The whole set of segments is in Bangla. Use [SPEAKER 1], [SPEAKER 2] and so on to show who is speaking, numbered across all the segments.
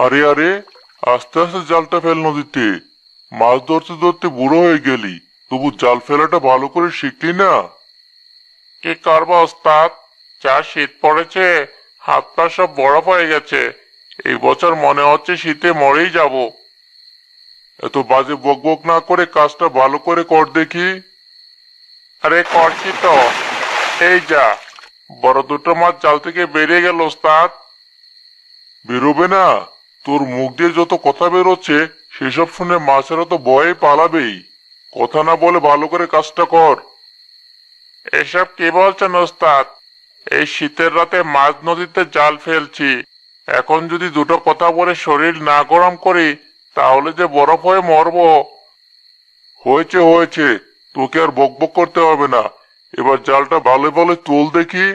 [SPEAKER 1] আরে আরে, আস্তে আস্তে জালটা ফেল নদীতে। মাছ ধরতে ধরতে বুড়ো হয়ে গেলি, তবু জাল ফেলাটা ভালো করে শিখলি না।
[SPEAKER 2] কি করবো ওস্তাদ, যা শীত পড়েছে, হাত পা সব বরফ হয়ে গেছে। এই বছর মনে হচ্ছে শীতে মরেই যাব।
[SPEAKER 1] এত বাজে বক বক না করে কাজটা ভালো করে কর দেখি।
[SPEAKER 2] আরে করছি তো, এই যা, বড় দুটো মাছ জাল থেকে বেরিয়ে গেল ওস্তাদ।
[SPEAKER 1] বেরোবে না? তোর মুখ দিয়ে যত কথা বেরোচ্ছে সেসব শুনে মাছেরা তো ভয়ে পালাবেই। কথা না বলে ভালো করে কাজটা কর।
[SPEAKER 2] এসব কি বলছেন ওস্তাদ? এই শীতের রাতে মাঝ নদীতে জাল ফেলছি, এখন যদি দুটো কথা বলে শরীর না গরম করি তাহলে যে বরফ হয়ে মরবো।
[SPEAKER 1] হয়েছে হয়েছে, তোকে আর বক বক করতে হবে না। এবার জালটা ভালো ভালো তোল দেখি।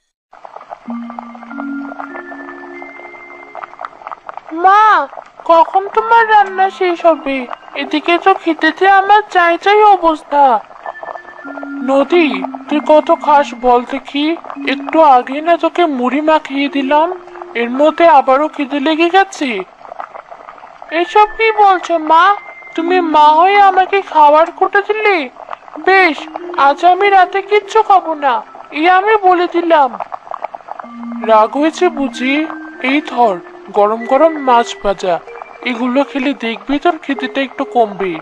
[SPEAKER 3] মা, কখন তোমার রান্না শেষ হবে? এদিকে তো খেতেতে আমার চাই চাই অবস্থা। নদী, তুই কত খাস বল দেখি। একটু আগে না তোকে মুড়ি মাখিয়ে দিলাম, এর মধ্যে আবারও খিদে লেগে গেছে। এসব কি বলছো মা? তুমি মা হয়ে আমাকে খাবার কোটা দিলে? বেশ, আজ আমি রাতে কিচ্ছু খাবো না, এই আমি বলে দিলাম। রাগ হয়েছে বুঝি? এই ধর, গরম গরম মাছ ভাজা, এগুলো খেলে দেখবি তোর খিদেটা একটু কমবে।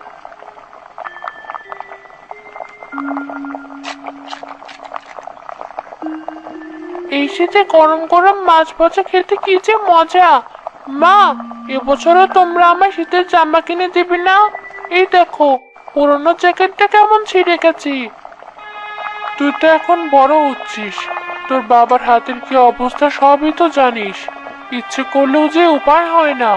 [SPEAKER 3] এই শীতে গরম গরম মাছ ভাজা খেতে কি যে মজা। মা, এবছরও তোমরা আমার শীতের জামা কিনে দিবি না? এই দেখো, পুরোনো জ্যাকেটটা কেমন ছিঁড়ে গেছে। তুই তো এখন বড় হচ্ছিস, তোর বাবার হাতের কি অবস্থা সবই তো জানিস। ইচ্ছে করলেও যে উপায় হয় না।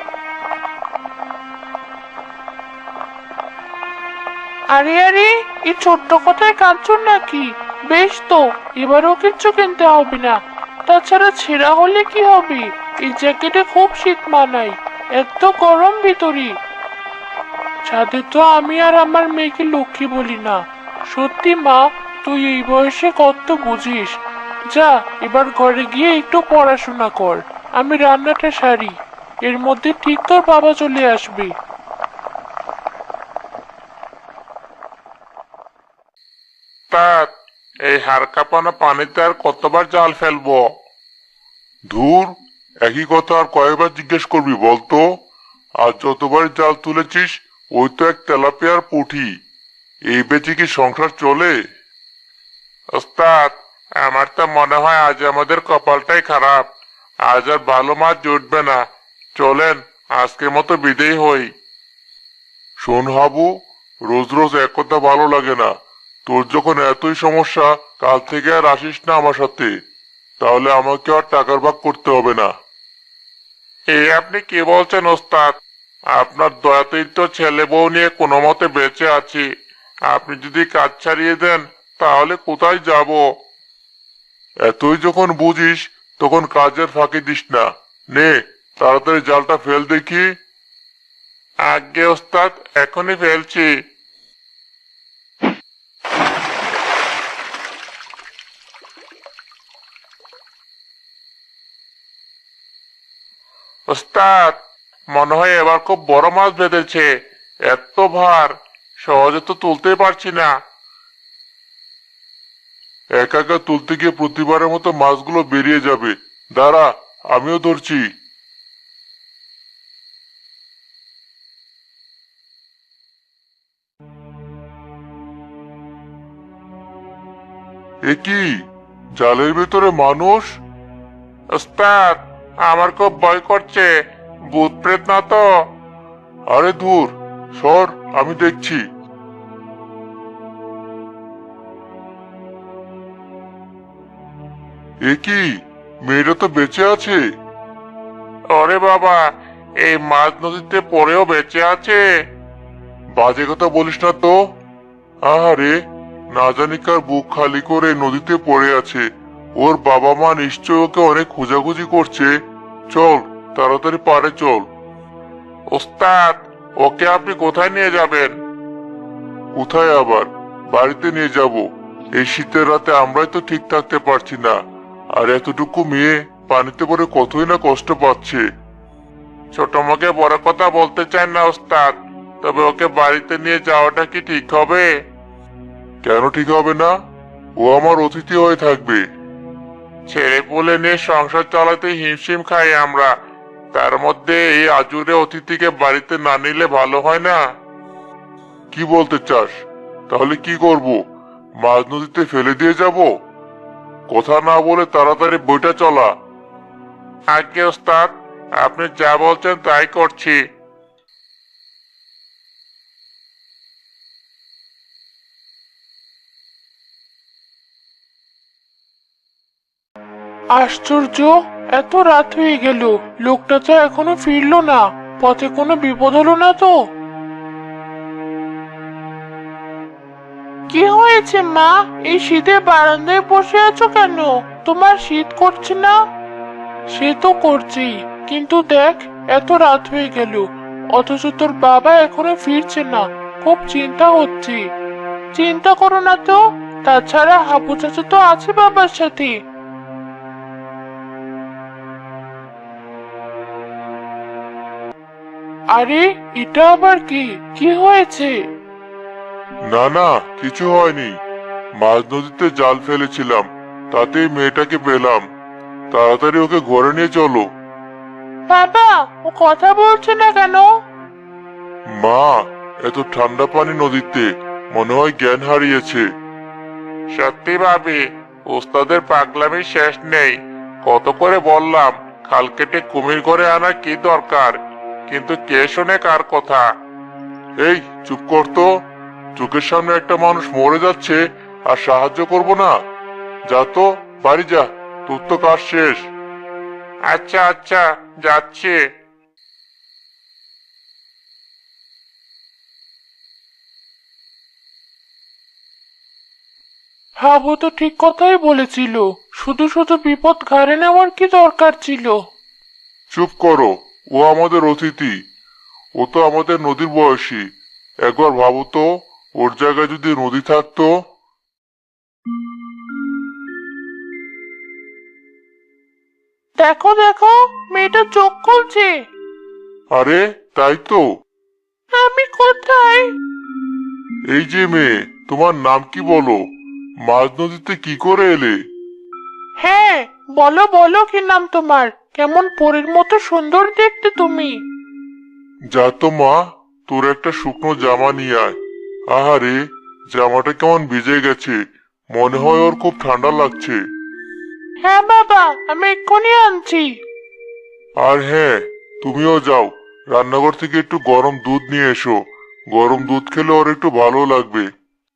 [SPEAKER 3] আরে আরে, এই ছোট্ট কথায় কাঁদছো নাকি? বেশ তো, এবারও কিচ্ছু কিনতে হবে না। তাছাড়া ছেঁড়া হলে কি হবে? এই জ্যাকেটে খুব শীত মানায়, এত গরম ভিতরে। ছাদে তো আমি আর আমার মেয়েকে লক্ষ্মী বলি না। সত্যি মা, তুই এই বয়সে কত বুঝিস। যা, এবার ঘরে গিয়ে একটু পড়াশোনা কর, আমি রান্নাটা সারি। এর মধ্যে ঠিক তোর বাবা চলে আসবে।
[SPEAKER 2] ওস্তাদ, এই হাড় কাঁপানো পানিতে আর কতবার জাল ফেলবো?
[SPEAKER 1] ধুর, একই কথা আর কয়েকবার জিজ্ঞেস করবি বলতো? আর যতবার জাল তুলেছিস ওই তো এক তেলাপিয়ার পুঁটি। এই বেচে কি সংসার চলে?
[SPEAKER 2] ওস্তাদ, আমার তো মনে হয় আজ আমাদের কপালটাই খারাপ। আজ আর ভালো মাছ জুটবে না। চলেন, আজকের মতো বিদেয় হই।
[SPEAKER 1] শোন হাবু, রোজ রোজ এক কথা ভালো লাগে না। তোর যখন এতই সমস্যা, কাল থেকে আর আসিস না আমার সাথে। তাহলে আমাকে আর টাকার ভাগ করতে হবে না।
[SPEAKER 2] এই আপনি কি বলছেন ওস্তাদ? আপনার দয়াতেই তো ছেলে বউ নিয়ে কোনো মতে বেঁচে আছি। আপনি যদি কাজ ছাড়িয়ে দেন তাহলে কোথায় যাব?
[SPEAKER 1] এতই যখন বুঝিস তখন কাজের ফাঁকি দিস না। নে, তাড়াতাড়ি জালটা ফেল দেখি।
[SPEAKER 2] আজ্ঞে ওস্তাদ, এখনই ফেলছি। ওস্তাদ, মনে হয় এবার খুব বড় মাছ বেঁধেছে। এত ভার, সহজে তো তুলতেই পারছি না।
[SPEAKER 1] একা একা তুলতে গিয়ে প্রতিবারের মতো মাছগুলো বেরিয়ে যাবে। দাঁড়া, আমিও ধরছি। এ কি, জালের ভেতরে মানুষ?
[SPEAKER 2] ওস্তাদ, আমার খুব ভয় করছে। ভূত প্রেত না তো?
[SPEAKER 1] আরে দূর সর, আমি দেখছি। এ কি, মেয়েটা তো বেঁচে আছে।
[SPEAKER 2] ওরে বাবা, এই মাছ নদীতে পড়েও বেঁচে আছে?
[SPEAKER 1] বাজে কথা বলিস না তো। আরে, না জানি কার বুক খালি করে নদীতে পড়ে আছে। ওর বাবা মা নিশ্চয় ওকে অনেক খোঁজাখুঁজি করছে। চল, তাড়াতাড়ি পারে চল।
[SPEAKER 2] ওস্তাদ, ওকে আপনি কোথায় নিয়ে যাবেন?
[SPEAKER 1] কোথায় আবার, বাড়িতে নিয়ে যাব। এই শীতের রাতে আমরাই তো ঠিক থাকতে পারছি না। আর এতটুকু মেয়ে পানিতে পড়ে কতই না কষ্ট পাচ্ছে।
[SPEAKER 2] ছোট মুখে বড় কথা বলতে চান না ওস্তাদ, তবে ওকে বাড়িতে নিয়ে যাওয়াটা কি ঠিক হবে?
[SPEAKER 1] কেন ঠিক হবে না? ও আমার অতিথি হয়ে থাকবে।
[SPEAKER 2] ছেলে পুলে নিয়ে সংসার চালাতে হিমশিম খাই আমরা, তার মধ্যে এই আজুরে অতিথিকে বাড়িতে না নিলে ভালো হয় না?
[SPEAKER 1] কি বলতে চাস? তাহলে কি করব? মাঝ নদীতে ফেলে দিয়ে যাব? কথা না বলে তাড়াতাড়ি বইটা চলা।
[SPEAKER 2] আজ্ঞে ওস্তাদ, আপনি যা বলছেন তাই করছি।
[SPEAKER 3] আশ্চর্য, এত রাত হয়ে গেল, লোকটা তো এখনো ফিরলো না। পথে কোনো বিপদ হলো না তো? কি হয়েছে মা? এই শীতে বারান্দায় বসে আছো কেন? তোমার শীত করছে না? সে তো করছেই, কিন্তু দেখ, এত রাত হয়ে গেল, অথচ তোর বাবা এখনো ফিরছে না। খুব চিন্তা হচ্ছে। চিন্তা করো না তো, তাছাড়া হাবু চাচা তো আছে বাবার সাথে। আরে, এটা আবার কি? কি হয়েছে?
[SPEAKER 1] না না, কিছু হয়নি। মাঝ নদীতে জাল ফেলেছিলাম, তাতেই মেয়েটাকে পেলাম। তাড়াতাড়ি ওকে ঘরে নিয়ে চলো।
[SPEAKER 3] বাবা, ও কথা বলছে না কেন?
[SPEAKER 1] মা, এত ঠান্ডা পানি নদীতে, মনে হয় জ্ঞান হারিয়েছে।
[SPEAKER 2] সত্যি ভাবি, ওস্তাদের পাগলামি শেষ নেই। কত করে বললাম, খাল কেটে কুমির ঘরে আনার কি দরকার, কিন্তু কে শোনে কার কথা?
[SPEAKER 1] এই চুপ কর তো। চোখের সামনে একটা মানুষ মরে যাচ্ছে আর সাহায্য করব না? যা তো, বাড়ি যা, তোর তো কাজ শেষ।
[SPEAKER 2] আচ্ছা আচ্ছা, যাচ্ছি।
[SPEAKER 3] হাবু তো ঠিক কথাই বলেছিল, শুধু শুধু বিপদ ঘাড়ে নেওয়ার কি দরকার ছিল?
[SPEAKER 1] চুপ করো, ও আমাদের অতিথি। ও তো আমাদের নদীর বয়সী। একবার ভাবো তো, ওর জায়গায় যদি নদী থাকতো।
[SPEAKER 3] দেখো দেখো, মেয়েটা চোখ খুলছে।
[SPEAKER 1] আরে তাই তো।
[SPEAKER 3] আমি কোথায়?
[SPEAKER 1] এই যে মেয়ে, তোমার নাম কি বলো? মাঝ নদীতে কি করে এলে?
[SPEAKER 3] হ্যাঁ, বলো বলো, কি নাম তোমার? কেমন পরীর মতো সুন্দর দেখতে তুমি।
[SPEAKER 1] যা তো মা, তোর একটা শুকনো জামা নিয়ে আয়। আহারে, জামাটা কেমন ভিজে গেছে, মনে হয় ওর খুব ঠান্ডা লাগছে।
[SPEAKER 3] হ্যাঁ বাবা, আমি এক্ষুনি আনছি।
[SPEAKER 1] আর হ্যাঁ, তুমিও যাও, রান্নাঘর থেকে একটু গরম দুধ নিয়ে এসো। গরম দুধ খেলে ওর একটু ভালো লাগবে।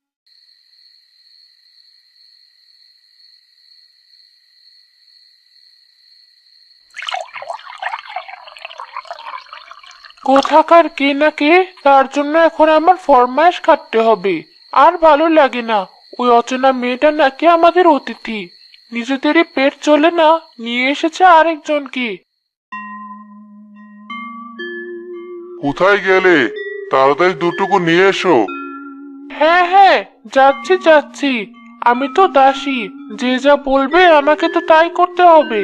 [SPEAKER 3] কোথাকার কে না কে, তার জন্য এখন আমার ফরমায়েশ খাটতে হবে। আর ভালো লাগে না। ওই অচেনা মেয়েটা নাকি আমাদের অতিথি, নিজেদেরই পেট চলে না, নিয়ে এসেছে আরেকজনকে।
[SPEAKER 1] কোথায় গেলে? তাড়াতাড়ি দুটুকু নিয়ে এসো।
[SPEAKER 3] হ্যাঁ হ্যাঁ, যাচ্ছি যাচ্ছি। আমি তো দাসী, যে যা বলবে আমাকে তো তাই করতে হবে।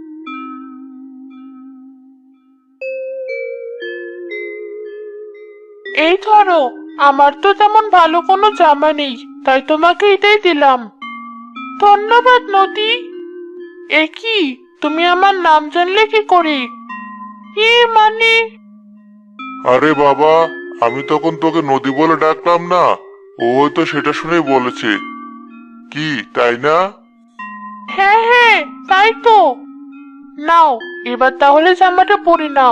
[SPEAKER 3] এই ধরো, আমার তো তেমন ভালো কোনো জামা নেই, তাই তোমাকে এটাই দিলাম। ধন্যবাদ নদী। এ কি, তুমি আমার নাম জানলে কি করে? মানে?
[SPEAKER 1] আরে বাবা, আমি তখন তোকে নদী বলে ডাকলাম না? ও হয়তো সেটা শুনেই বলেছে। কি, তাই না?
[SPEAKER 3] হ্যাঁ হ্যাঁ, তাই তো। নাও, এবার তাহলে জামাটা পরে নাও।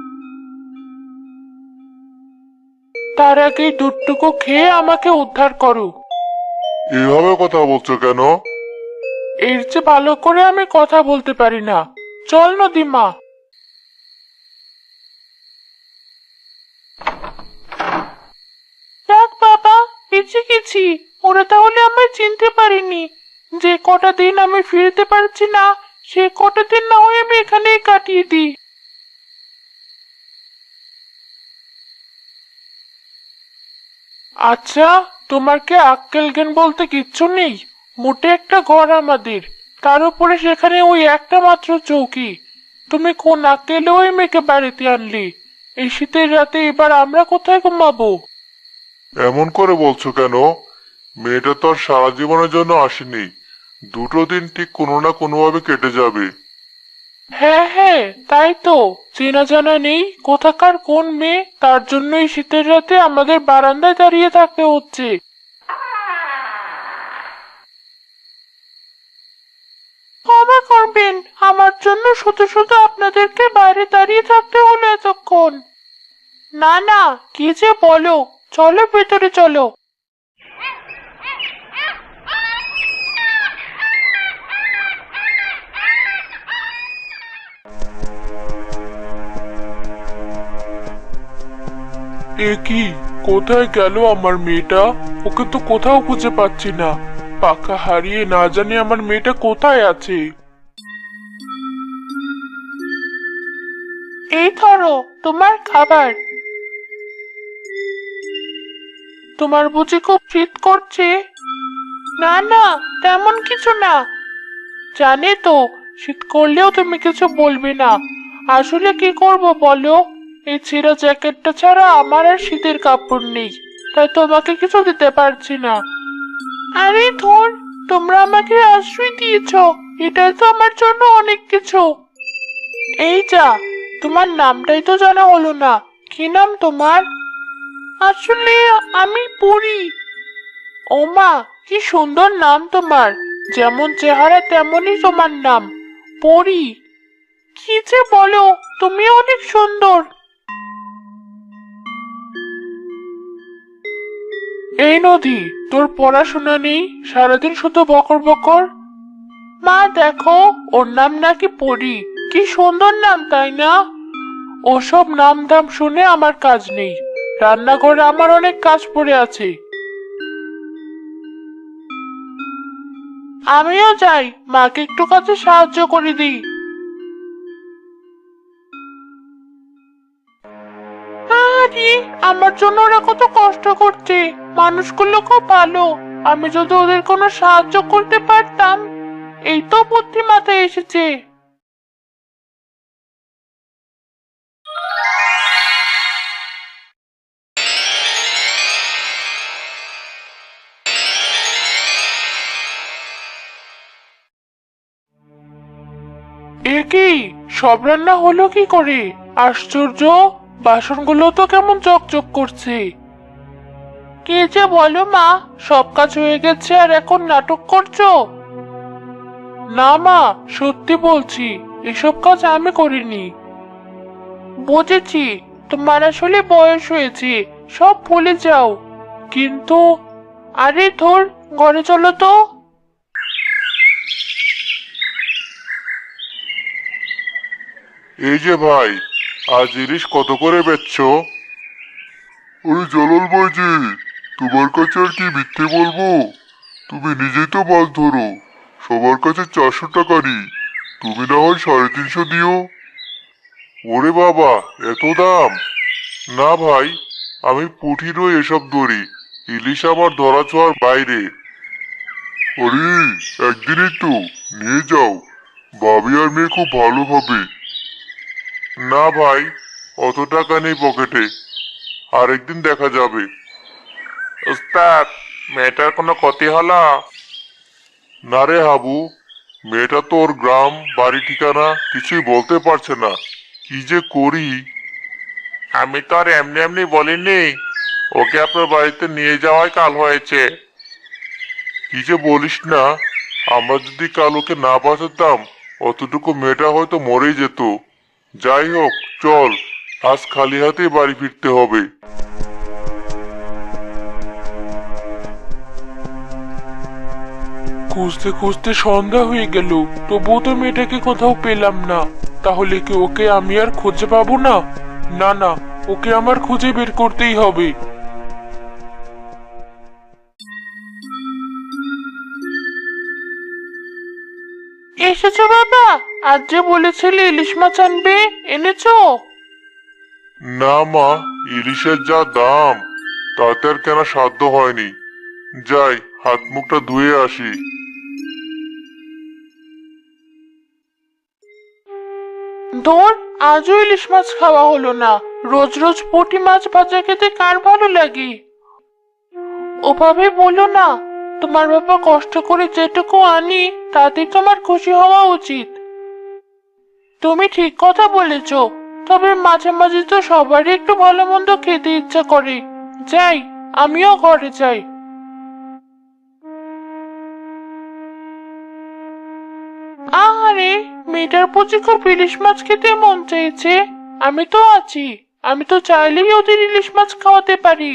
[SPEAKER 3] তার আগে দুধটুকু খেয়ে আমাকে উদ্ধার করো।
[SPEAKER 1] এভাবে কথা বলছো কেন?
[SPEAKER 3] এর চেয়ে ভালো করে আমি কথা বলতে পারি না। চল নদীমা। যাক বাবা, বেঁচে গেছি। ওরা তাহলে আমায় চিনতে পারিনি। যে কটা দিন আমি ফিরতে পারছি না, সে কটা দিন না হয় আমি এখানেই কাটিয়ে দিই। আচ্ছা, তোমার কি আক্কেল জ্ঞান বলতে কিচ্ছু নেই? মোটে একটা ঘর আমাদের, তার উপরে সেখানে ওই একটা মাত্র চৌকি। তুমি কোন আক্কেলে ওই মেয়েকে বাড়িতে আনলি? এই শীতের রাতে এবার আমরা কোথায় ঘুমাবো?
[SPEAKER 1] এমন করে বলছো কেন? মেয়েটা তো আর সারা জীবনের জন্য আসেনি। দুটো দিন ঠিক কোনো না কোনোভাবে কেটে যাবে।
[SPEAKER 3] হ্যাঁ হ্যাঁ, তাই তো। চেনা জানা নেই কোথাকার কোন মেয়ে, তার জন্য এই শীতের রাতে আমাদের বারান্দায় দাঁড়িয়ে থাকতে হচ্ছে। ক্ষমা করবেন, আমার জন্য শুধু শুধু আপনাদেরকে বাইরে দাঁড়িয়ে থাকতে হলো এতক্ষণ। না না, কি যে বলো, চলো ভেতরে চলো। এ কি, কোথায় গেল আমার মেয়েটা? ওকে তো কোথাও খুঁজে পাচ্ছি না। পাখা হারিয়ে না জানি আমার মেয়েটা কোথায় আছে। এই ধরো তোমার খাবার। তোমার বুঝি খুব শীত করছে? না না, তেমন কিছু না। জানি তো, শীত করলেও তুমি কিছু বলবে না। আসলে কি করব বলো, এই ছেঁড়া জ্যাকেটটা ছাড়া আমার আর শীতের কাপড় নেই, তাই তোমাকে কিছু দিতে পারছি না। আরে ধর, তোমরা আমাকে আশ্রয় দিয়েছ, এটাই তো আমার জন্য অনেক কিছু। এই যা, তোমার নামটাই তো জানা হলো না। কি নাম তোমার? আসলে আমি পড়ি। ওমা, কি সুন্দর নাম তোমার। যেমন চেহারা তেমনই তোমার নাম, পরি। কি যে বলো, তুমি অনেক সুন্দর। এই নদী, তোর পড়াশোনা নেই, সারাদিন শুধু বকর বকর। মা দেখো, ওর নাম নাকি পরি। কি সুন্দর নাম, তাই না? ওসব নাম ধাম শুনে আমার কাজ নেই। রান্নাঘরে আমার অনেক কাজ পড়ে আছে। আমিও যাই, মাকে একটু কাজে সাহায্য করে দিই। আরে, আমার জন্য ওরা কত কষ্ট করছে। মানুষগুলো খুব ভালো। আমি যদি ওদের কোনো সাহায্য করতে পারতাম। এই তো বুদ্ধি মাথায় এসেছে। এ কি, সব রান্না হলো কি করে? আশ্চর্য, বাসনগুলো তো কেমন চকচক করছে। কি যে বলো মা, সব কাজ হয়ে গেছে আর এখন নাটক করছো? না মা, সত্যি বলছি, এসব কাজ আমি করিনি। বুঝেছি, তোমার আসলে বয়স হয়েছে, সব ভুলে যাও। কিন্তু, আরে ধর, ঘরে চলো তো।
[SPEAKER 1] এই যে ভাই, আজ ইলিশ কত করে বেচছো? ওরে জালাল ভাইজি, তোমার কাছে আর কি মিথ্যে বলবো? তুমি নিজেই তো মাছ ধরো, সবার কাছে 400 টাকারই। তুমি না হয় 350 দিও। ওরে বাবা, এত দাম! না ভাই, আমি পুঁটি রই এসব ধরি। ইলিশ আমার ধরা ছোঁয়ার বাইরে। আরে, একদিনই তো, নিয়ে যাও। ভাবি আর মেয়ে খুব ভালো হবে। না ভাই, অত টাকা নেই পকেটে। আরেকদিন দেখা যাবে।
[SPEAKER 2] উস্তাদ, মেয়েটার কোনো ক্ষতি হলো?
[SPEAKER 1] না রে হাবু, মেয়েটা তো ওর গ্রাম বাড়ি ঠিকানা কিছুই বলতে পারছে না। কি যে করি!
[SPEAKER 2] আমি তো আর এমনি এমনি বলিনি। ওকে আপনার বাড়িতে নিয়ে যাওয়াই কাল হয়েছে।
[SPEAKER 1] কি যে বলিস না! আমরা যদি কাল ওকে না বাঁচাতাম, অতটুকু মেয়েটা হয়তো মরেই যেত। যাই হোক, চল, আজ খালি হাতেই বাড়ি ফিরতে হবে।
[SPEAKER 3] খুঁজতে খুঁজতে সন্ধ্যা হয়ে গেল, তবুও তো মেয়েটাকে কোথাও পেলাম না। তাহলে কি ওকে আমি আর খুঁজে পাবো না? না না, ওকে আমার খুঁজে বের করতেই হবে। এসেছো বাবা? আজ যে বলেছিলে ইলিশ মাছ আনবে, এনেছো?
[SPEAKER 1] না মা, ইলিশের যা দাম, তাতে আর কেনা সাধ্য হয়নি। যাই, হাত মুখটা ধুয়ে আসি।
[SPEAKER 3] ধর, আজও ইলিশ মাছ খাওয়া হলো না। রোজ রোজ পুঁটি মাছ ভাজা খেতে কার ভালো লাগে? ওভাবে বলো না। তোমার বাবা কষ্ট করে যেটুকু আনি তাতে তোমার খুশি হওয়া উচিত। তুমি ঠিক কথা বলেছ। তবে মাঝে মাঝে তো সবারই একটু ভালো মন্দ খেতে ইচ্ছা করে। যাই, আমিও ঘরে যাই। আহারে, মেয়েটার বুঝি খুব ইলিশ মাছ খেতে মন চাইছে। আমি তো আছি, আমি তো চাইলেই ওদের ইলিশ মাছ খাওয়াতে পারি।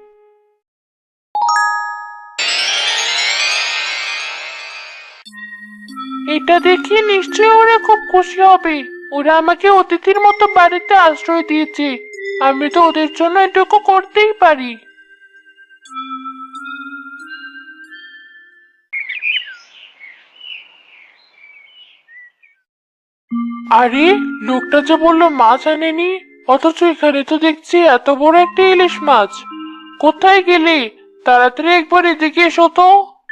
[SPEAKER 3] এটা দেখি নিশ্চয়ই ওরা খুব খুশি হবে। ওরা আমাকে অতিথির মতো বাড়িতে আশ্রয় দিয়েছে, আমি তো ওদের জন্য এটুকু করতেই পারি। আরে, লোকটা যে বললো মাছ আনেনি, অথচ এখানে তো দেখছি এত বড় একটা ইলিশ মাছ। কোথায় গেলে? তাড়াতাড়ি একবার এদিকে এসো তো।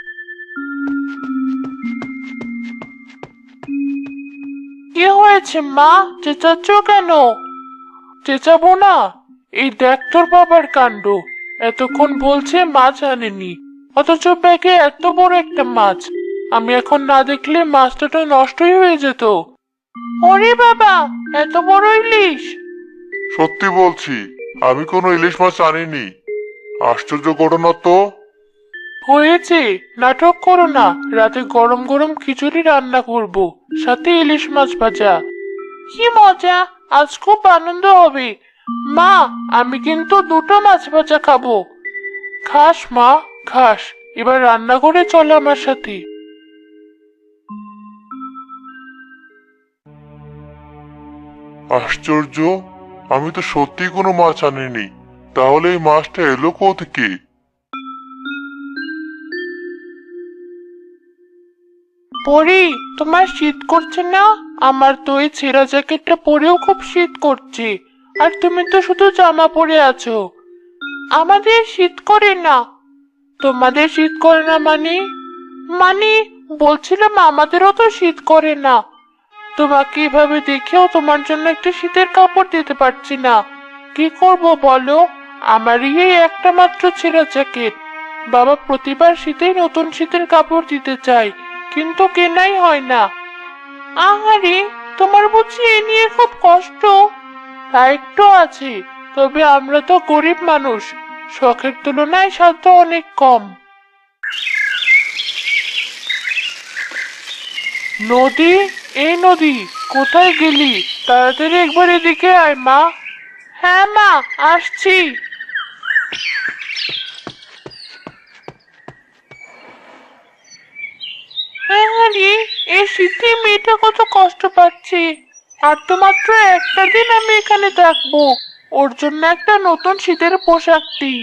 [SPEAKER 3] কি হয়েছে মা, চেঁচাচ্ছ কেন? চেঁচাবো না? এই দেখ তোর বাবার কাণ্ড। এতক্ষণ বলছে মাছ আনেনি, অথচ ব্যাগে এত বড় একটা মাছ। আমি এখন না দেখলে মাছটা তো নষ্টই হয়ে যেত। ওরে বাবা, এত বড় ইলিশ!
[SPEAKER 1] সত্যি বলছি, আমি কোনো ইলিশ মাছ আনিনি। আশ্চর্য ঘটনা তো।
[SPEAKER 3] হয়েছে, নাটক করো না। রাতে গরম গরম খিচুড়ি রান্না করব, সাথে ইলিশ মাছ ভাজা। কি মজা! আজ খুব আনন্দ হবে। মা, আমি কিন্তু দুটো মাছ ভাজা খাবো। খাস মা, খাস। এবার রান্না করে চলো আমার সাথে।
[SPEAKER 1] আশ্চর্য, আমি তো সত্যি কোনো মাছ আনিনি। তাহলে এই মাছটা এলো কোত্থেকে?
[SPEAKER 3] পরি, তোমার শীত করছে না? আমার তো এই ছেঁড়া জ্যাকেটটা পরেও খুব শীত করছে। আর তুমি তো শুধু জামা পরে আছো। আমাদের শীত করে না। তোমাদের শীত করে না মানে? মানে, বলছিলাম আমাদেরও তো শীত করে না। তোমাকে এভাবে দেখেও তোমার জন্য একটা শীতের কাপড় দিতে পারছি না। কি করব বলো? আমারই এই একটা মাত্র ছেঁড়া জ্যাকেট। বাবা প্রতিবার শীতেই নতুন শীতের কাপড় দিতে চায়, কিন্তু কেনাই হয় না। আহারে, তোমার বুঝি এ নিয়ে খুব কষ্ট? তা একটু আছে, তবে আমরা তো গরিব মানুষ। শখের তুলনায় সাধ্য অনেক কম। নদী, এই নদী, কোথায় গেলি? তাড়াতাড়ি একবার এদিকে আয় মা। হ্যাঁ মা, আসছি। আরে, এই শীতে মেয়েটা কত কষ্ট পাচ্ছে। আর তো মাত্র একটা দিন আমি এখানে থাকবো। ওর জন্য একটা নতুন শীতের পোশাক দিই।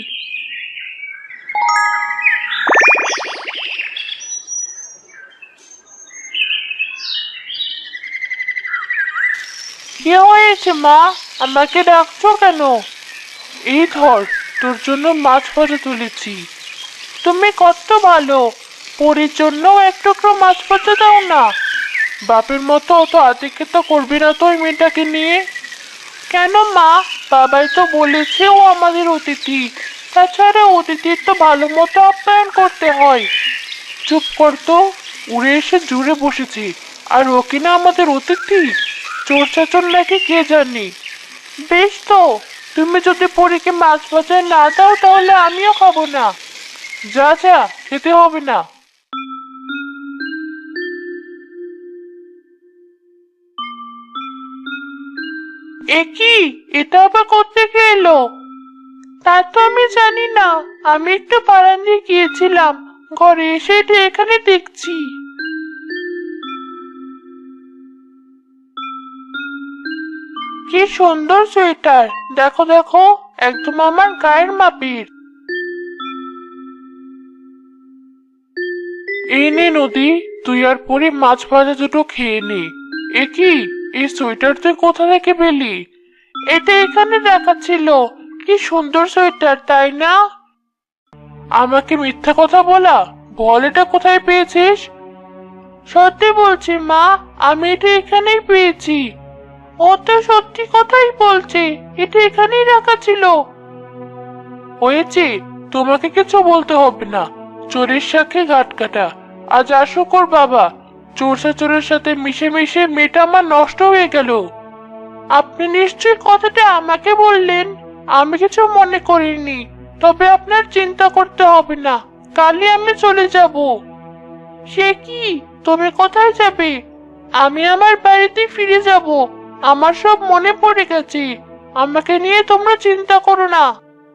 [SPEAKER 3] কি হয়েছে মা, আমাকে ডাকছো কেন? এই ধর, তোর জন্য মাছ ভাজা তুলেছি। তুমি কত ভালো। পরির জন্য এক টুকরো মাছ ভাজা দাও না। বাপের মতো অত আদিক্ষেতা করবি না তো ওই মেয়েটাকে নিয়ে। কেন মা, বাবাই তো বলেছে ও আমাদের অতিথি। তাছাড়া অতিথির তো ভালো মতো আপ্যায়ন করতে হয়। চুপ কর তো, উড়ে এসে জুড়ে বসেছি। আর ও কিনা আমাদের অতিথি? চোর চাচর নাকি কে জানি। বেশ তো, তুমি যদি পরীকে মাছ ভাজায় না দাও তাহলে আমিও খাবো না। যা যা, খেতে হবে না। এ কি, এটা আবার কোত্থেকে এলো? তা তো আমি জানি না। আমি একটু বারান্দায় গিয়েছিলাম, ঘরে এসে এটা এখানে দেখছি। কি সুন্দর সোয়েটার! দেখো দেখো, একদম আমার গায়ের মাপির। এই নে নদী, তুই আর পরি মাছ ভাজা দুটো খেয়ে নে। এ কি, এই সোয়েটার তুই কোথা থেকে পেলি? এটা এখানে রাখা ছিল। কি সুন্দর সোয়েটার, তাই না? আমাকে মিথ্যা কথা বলা, বল এটা কোথায় পেয়েছিস? সত্যি বলছি মা, আমি এটা এখানেই পেয়েছি। ও তো সত্যি কথাই বলছে, এটা এখানেই রাখা ছিল। হয়েছে, তোমাকে কিছু বলতে হবে না। চোরের সাথে ঘাট কাটা। আজ আসুক ওর বাবা। চোরের সাথে মিশে মিশে মেয়েটা আমার নষ্ট হয়ে গেল। আপনি নিশ্চয়ই কথাটা আমাকে বললেন, আমি কিছু মনে করিনি। তবে আপনার চিন্তা করতে হবে না, কালই আমি চলে যাব। সে কি, তুমি কোথায় যাবে? আমি আমার বাড়িতে ফিরে যাব। আমার সব মনে পড়ে গেছে। আমাকে নিয়ে তোমরা চিন্তা করো না।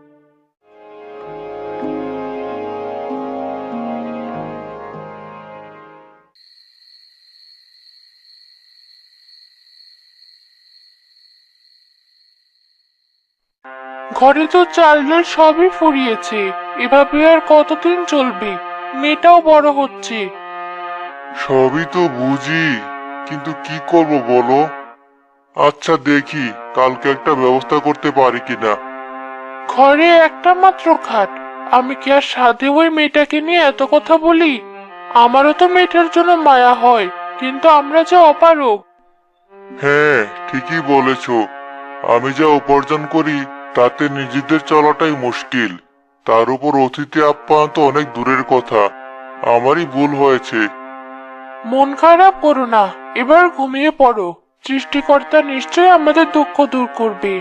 [SPEAKER 3] ঘরে তো চাল ডাল সবই ফুরিয়েছে। এভাবে আর কতদিন চলবে? মেয়েটাও বড় হচ্ছে।
[SPEAKER 1] সবই তো বুঝি, কিন্তু কি করব বলো। আচ্ছা দেখি কালকে একটা ব্যবস্থা করতে পারি কিনা।
[SPEAKER 3] ঘরে একটা মাত্র খাট। আমি কি আর সাধে ওই মেয়েটাকে নিয়ে এত কথা বলি? আমারও তো মেয়েটার জন্য মায়া হয়, কিন্তু আমরা যে অপারগ।
[SPEAKER 1] হ্যাঁ, ঠিকই বলেছ। আমি যা উপার্জন করি তাতে নিজেদের চলাটাই মুশকিল। তার উপর অতিথি আপ্যায়ন তো অনেক দূরের কথা। আমারই ভুল হয়েছে।
[SPEAKER 3] মন খারাপ করো না, এবার ঘুমিয়ে পড়ো। সৃষ্টিকর্তা নিশ্চয়ই আমাদের দুঃখ দূর করবে।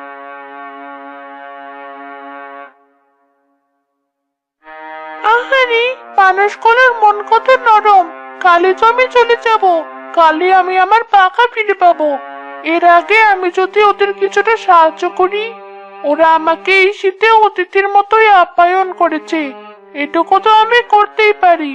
[SPEAKER 3] আহারে, মানুষগুলোর মন কত নরম। কালই তো আমি চলে যাব। কালই আমি আমার পাখা ফিরে পাবো। এর আগে আমি যদি ওদের কিছুটা সাহায্য করি। ওরা আমাকে এই শীতে অতিথির মতোই আপ্যায়ন করেছে। এটুকু তো আমি করতেই পারি।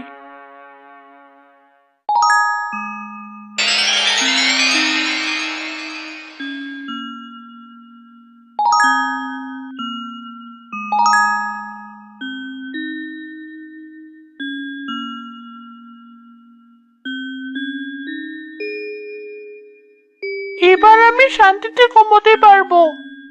[SPEAKER 3] এবার আমি শান্তিতে ঘুমোতে পারবো।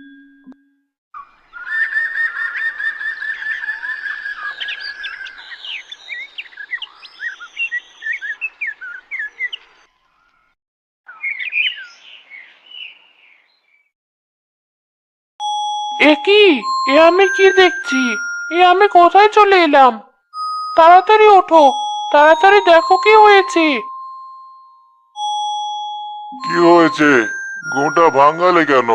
[SPEAKER 3] এ কি? এ আমি কি দেখছি? এ আমি কোথায় চলে এলাম? তাড়াতাড়ি ওঠো, তাড়াতাড়ি দেখো কি হয়েছে।
[SPEAKER 1] কি হয়েছে? ঘুমটা ভাঙালে কেন?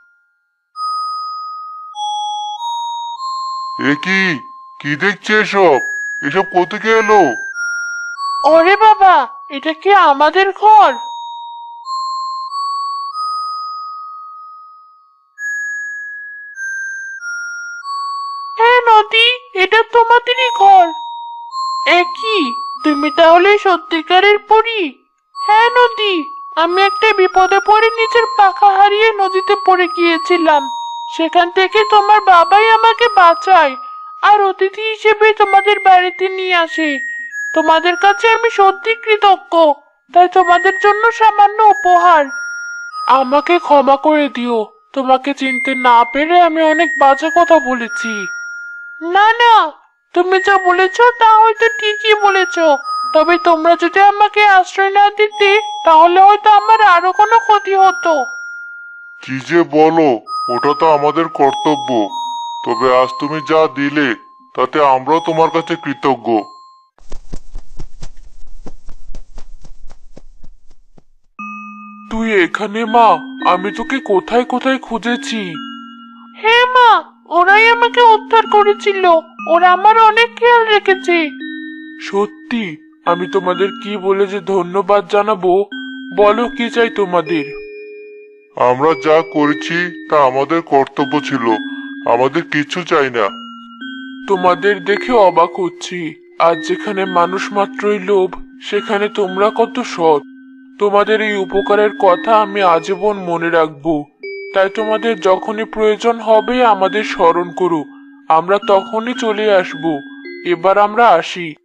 [SPEAKER 1] এ কি? কি দেখছে এসব? এসব কোত্থেকে এলো?
[SPEAKER 3] ওরে বাবা, এটা কি আমাদের ঘর? হ্যাঁ নদী, এটা তোমাদেরই ঘর। এ কি, তুমি তাহলে সত্যিকারের পরী? হ্যাঁ নদী, আমি একটা বিপদে পড়ে নিজের পাখা হারিয়ে নদীতে পড়ে গিয়েছিলাম। সেখান থেকে তোমার বাবাই আমাকে বাঁচায়, আর অতিথি হিসেবে তোমাদের বাড়িতে নিয়ে আসে। তোমাদের কাছে আমি সত্যি কৃতজ্ঞ। তাই তোমাদের জন্য সামান্য উপহার। আমাকে ক্ষমা করে দিও। তোমাকে চিনতে না পেরে আমি অনেক বাজে কথা বলেছি। না না, তুমি যা বলেছো তা হয়তো ঠিকই বলেছো। তবে তোমরা যদি আমাকে আশ্রয় না দিতে, তাহলে হয়তো আমার আরো কোনো ক্ষতি হতো।
[SPEAKER 1] কি যে বলো, ওটা তো আমাদের কর্তব্য। তবে আজ তুমি যা দিলে তাতে আমরাও তোমার কাছে কৃতজ্ঞ।
[SPEAKER 3] তুই এখানে মা? আমি তোকে কোথায় কোথায় খুঁজেছি। হ্যাঁ মা, ওরাই আমাকে উদ্ধার করেছিল। ওরা আমার অনেক খেয়াল রেখেছে। সত্যি? আমি তোমাদের কি বলে যে ধন্যবাদ জানাবো? বলো কি চাই তোমাদের?
[SPEAKER 1] আমরা যা করেছি তা আমাদের কর্তব্য ছিল। আমাদের কিছু চাই না।
[SPEAKER 3] তোমাদের দেখে অবাক হচ্ছি। আজ যেখানে মানুষ মাত্রই লোভ, সেখানে তোমরা কত সৎ। তোমাদের এই উপকারের কথা আমি আজীবন মনে রাখবো। তাই তোমাদের যখনই প্রয়োজন হবে আমাদের স্মরণ করো। আমরা তখনই চলে আসবো। এবার আমরা আসি।